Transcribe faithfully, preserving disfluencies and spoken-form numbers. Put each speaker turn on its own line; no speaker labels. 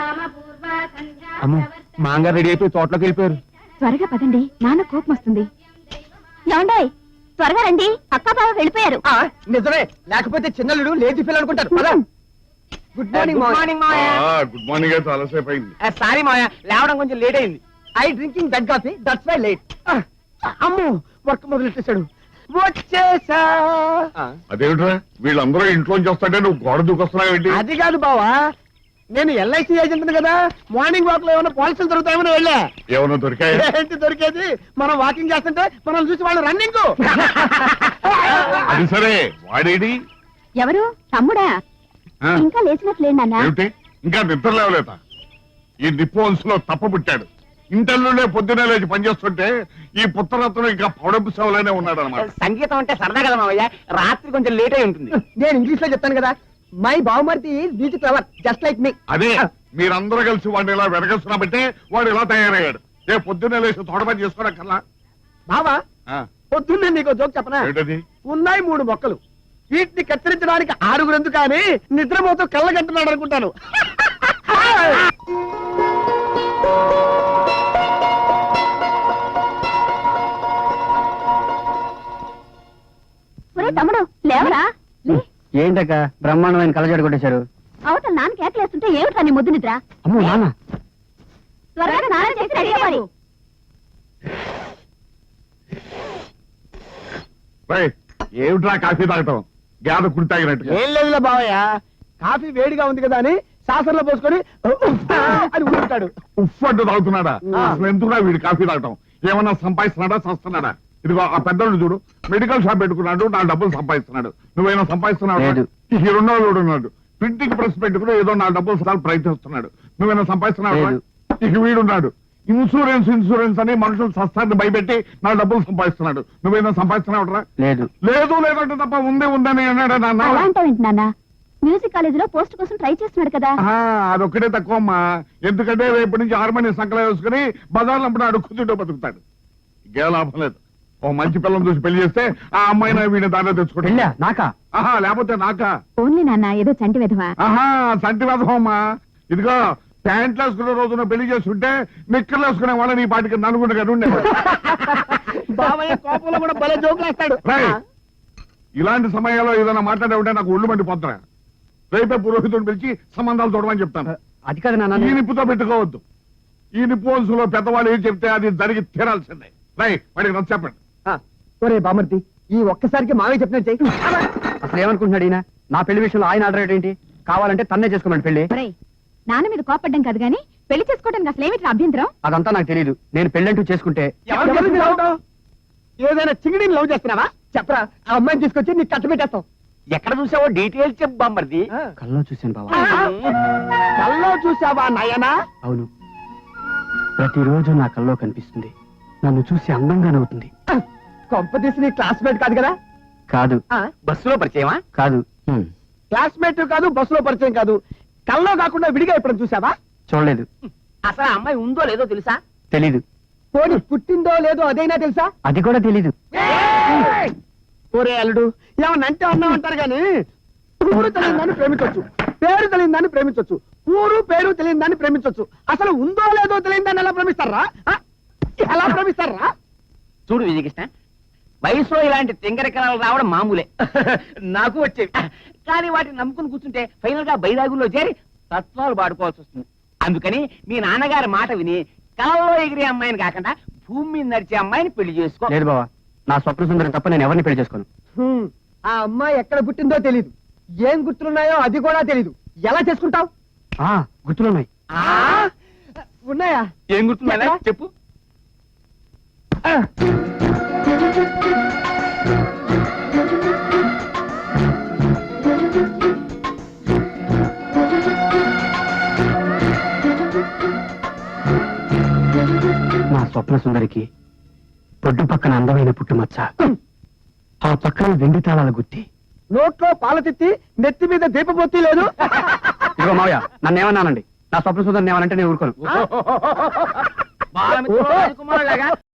అమ్మో మాంగారు రెడీ అయిపోయి తోటలోకి వెళ్ళిపోయారు.
త్వరగా పదండి, నాన్న కోపం వస్తుంది. ఏమండాయ్, త్వరగా రండి, అక్క బావ వెళ్ళిపోయారు.
నిజమే, లేకపోతే చిన్నలుడు లేచి పిల్లలు అనుకుంటారు. పద. Good morning morning
good morning అయితే అలసేపు అయింది.
సారీ మాయా, లేవడం కొంచెం లేట్ అయింది. I drinking that coffee, that's why late. అమ్మో వర్క్ మొదలెట్టేశాడు. వచ్చేసా.
అదేమిట్రా వీళ్ళందరూ ఇంట్లోంచి వస్తాంటే నువ్వు గోడ దూకొస్తున్నావు ఏంటి?
అది కాదు బావా, నేను ఎల్ఐసి ఏజెంట్ కదా, మార్నింగ్ వాక్ లో ఏమైనా పాలసీలు దొరుకుతాయని వెళ్ళా.
ఏమన్నా దొరికాయి?
ఏంటి దొరికేది, మనం వాకింగ్ చేస్తుంటే మనం చూసి వాళ్ళు రన్నింగ్.
అది సరే, వాడేడి?
ఎవరు? తమ్ముడా? ఇంకా లేచినట్లేండి నాన్న.
ఏమిటి ఇంకా నిద్ర లేవలేత? ఈ నిప్పు వంశంలో తప్ప పుట్టాడు. ఇంటర్లోనే పొద్దునే లేచి పనిచేస్తుంటే ఈ పుత్రరత్నం ఇంకా పౌడపు సేవలోనే ఉన్నాడు అనమాట.
సంగీతం అంటే సరదా కదా మావయ్య, రాత్రి కొంచెం లేట్ అయి ఉంటుంది. నేను ఇంగ్లీష్ లో చెప్తాను కదా, మై బావమర్తి beauty flower just like me.
అదే మీరందరూ కలిసి వాడిని ఇలా వెనకేస్తున్నామంటే వాడు ఇలా తయారయ్యాడు. రే పొద్దున్నే లేచి తోట పని చేసుకోవడం
బావా, పొద్దున్నే నీకు జోక్ చెప్పనా?
ఏంటది?
ఉన్నాయి మూడు మొక్కలు, వీటిని కత్తిరించడానికి ఆరుగురు ఎందుకు కానీ నిద్రపోతూ కళ్ళగంటున్నాడు అనుకుంటాను.
తమ్ముడు లేవరా?
ఏంటక్క బ్రహ్మాండమైన కళ్ళజోడు కొట్టేశారు?
అవతల నాన్న కేకలేస్తుంటే ఏమిటా నీ ముద్దు నిద్ర?
అమ్మో నాన్న,
త్వరగా నాన్న చేసి రెడీ అవ్వాలి.
ఏమిట్రా కాఫీ తాగటం? గాథ కుడి తాగినట్టు.
ఏం లేదులే బావయ్య, కాఫీ వేడిగా ఉంది కదా అని సాసర్లో పోసుకొని అని ఉంటాడు.
ఉఫ్ అంటూ తాగుతున్నాడా? అసలు ఎందుకురా వీడు కాఫీ తాగటం? ఏమన్నా సంపాదిస్తున్నాడా చస్తున్నాడా? ఇదిగో ఆ పెద్దోడు చూడు, మెడికల్ షాప్ పెట్టుకున్నాడు, నా డబ్బులు సంపాదిస్తున్నాడు. నువ్వేనా సంపాదిస్తున్నావు? ఈ రెండోడు ఉన్నాడు, ప్రింటింగ్ ప్రెస్ పెట్టుకుని ఏదో నా డబ్బులు ప్రయత్నిస్తున్నాడు. నువ్వేనా సంపాదిస్తున్నావు? ఇక వీడున్నాడు, ఇన్సూరెన్స్ ఇన్సూరెన్స్ అని మనుషులు సస్తాన్ని భయపెట్టి నా డబ్బులు సంపాదిస్తున్నాడు. నువ్వేనా సంపాదిస్తున్నావురా?
లేదు
లేదు లేదంటే తప్ప ఉందే ఉందని అన్నాడు నాన్న.
మ్యూజిక్ కాలేజీలో పోస్ట్ కోసం ట్రై చేస్తున్నాడు కదా.
అదొక్కటే తక్కువ అమ్మా, ఎందుకంటే రేపు నుంచి హార్మోనియం సంకలం వేసుకుని బజార్లో అప్పుడు అడుక్కుంటూ బతుకుతాడు. ఇంకే లాభం లేదు. ఓ మంచి పిల్లలు చూసి పెళ్లి చేస్తే ఆ అమ్మాయినా వీడిని దాంట్లో తెచ్చుకుంటా. నాకా? ఆహా, లేకపోతే నాకా?
ఓన్లీ నాన్న, ఏదో చంటి విధవా.
ఆహా, చంటి విధవమ్మా. ఇదిగో ప్యాంట్లు వేసుకునే రోజున పెళ్లి చేస్తుంటే నిక్కర్లు వేసుకునే వాళ్ళని ఈ పాటికి నలుగురు కదా ఉండే.
బావయ్య కోపంలో కూడా భలే జోకులు వేస్తాడు.
ఇలాంటి సమయాల్లో ఏదైనా మాట్లాడే ఉంటే నాకు ఒళ్ళు మండిపోతున్నా. రేపే పురోహితుడిని పిలిచి సంబంధాలు చూడమని చెప్తాను.
అది కదా నాన్న,
ఈ నిప్పుతో పెట్టుకోవద్దు. ఈ నిప్పు వంశంలో పెద్దవాళ్ళు ఏం చెప్తే అది జరిగి తీరాల్సిందే. రై వాడికి నచ్చ చెప్పండి.
ఒరే బామర్తి, ఈ ఒక్కసారికి మావే చెప్పినట్టు చెయ్యి. అసలు ఏమనుకుంటున్నాడు ఈయన? నా పెళ్లి విషయంలో ఆయన ఆర్డర్ ఏంటి? కావాలంటే తన్నే చేసుకోమని పెళ్లి.
నాన్న మీద కోపడ్డం కాదు గానీ పెళ్లి చేసుకోవడానికి అసలు ఏమిటి అభ్యంతరం?
అదంతా నాకు తెలియదు. నేను పెళ్ళంటూ చేసుకుంటే ఏదైనా చిగిడిని లవ్ చేస్తున్నావా? చెప్పరా, ఆ అమ్మాయిని తీసుకొచ్చి నీకు కట్ట పెట్టేస్తాం. ఎక్కడ చూసావో డీటెయిల్స్ చెప్పు బామ్మర్ది. కల్లో చూశాను బావా. కల్లో చూసావా నాయనా? అవును, ప్రతిరోజు నా కల్లో కనిపిస్తుంది. నన్ను చూసి అందంగా నవ్వుతుంది. కొంపతీసి నీ క్లాస్మేట్ కాదు కదా? కాదు. బస్సులో పరిచయమా? కాదు. క్లాస్మేట్ కాదు, బస్సులో పరిచయం కాదు. కల్లో కాకుండా విడిగా ఎప్పుడు చూసావా? చూడలేదు. అసలు ఆ అమ్మాయి ఉందో లేదో తెలుసా? తెలీదు. పోనీ పుట్టిందో లేదో అదైనా తెలుసా? అది కూడా తెలీదు. ఓరే అల్లుడు, ఏమన్నా అంటే అన్నామంటారు గాని ఊరు తెలియని దాన్ని ప్రేమించవచ్చు, పేరు తెలియని దాన్ని ప్రేమించవచ్చు, ఊరు పేరు తెలియని దాన్ని ప్రేమించవచ్చు. అసలు ఉందో లేదో తెలియని దాన్ని ఎలా ప్రేమిస్తారా? ఎలా ప్రేమిస్తారా? చూడు విజయకృష్ణ, వయసులో ఇలాంటి తింగరకరాలు రావడం మామూలే, నాకు వచ్చేవి. కానీ వాటిని నమ్ముకుని కూర్చుంటే ఫైనల్ గా బైరాగుల్లో చేరి తత్వాలు పాడుకోవాల్సి వస్తుంది. అందుకని మీ నాన్నగారి మాట విని కలలో ఎగిరే అమ్మాయిని కాకుండా భూమి మీద నడిచే అమ్మాయిని పెళ్లి చేసుకో. లేదు బావా, నా స్వప్న సుందరం తప్ప నేను ఎవరిని పెళ్లి చేసుకోను. ఆ అమ్మాయి ఎక్కడ పుట్టిందో తెలీదు, ఏం గుర్తులున్నాయో అది కూడా తెలీదు. ఎలా చేసుకుంటావు? గుర్తులున్నాయి. ఉన్నాయా? ఏం గుర్తున్నాయా చెప్పు. నా స్వప్న సుందరికి పొడ్డు పక్కన అందమైన పుట్టుమచ్చ, ఆ పక్కన వెండి తాళాల గుత్తి, నోట్లో పాల తిత్తి, నెత్తి మీద దీపబొత్తి లేదు. ఇదిగో మావయ్య, నన్ను ఏమన్నానండి, నా స్వప్న సుందరిని ఏమనంటే నేను ఊరుకోను.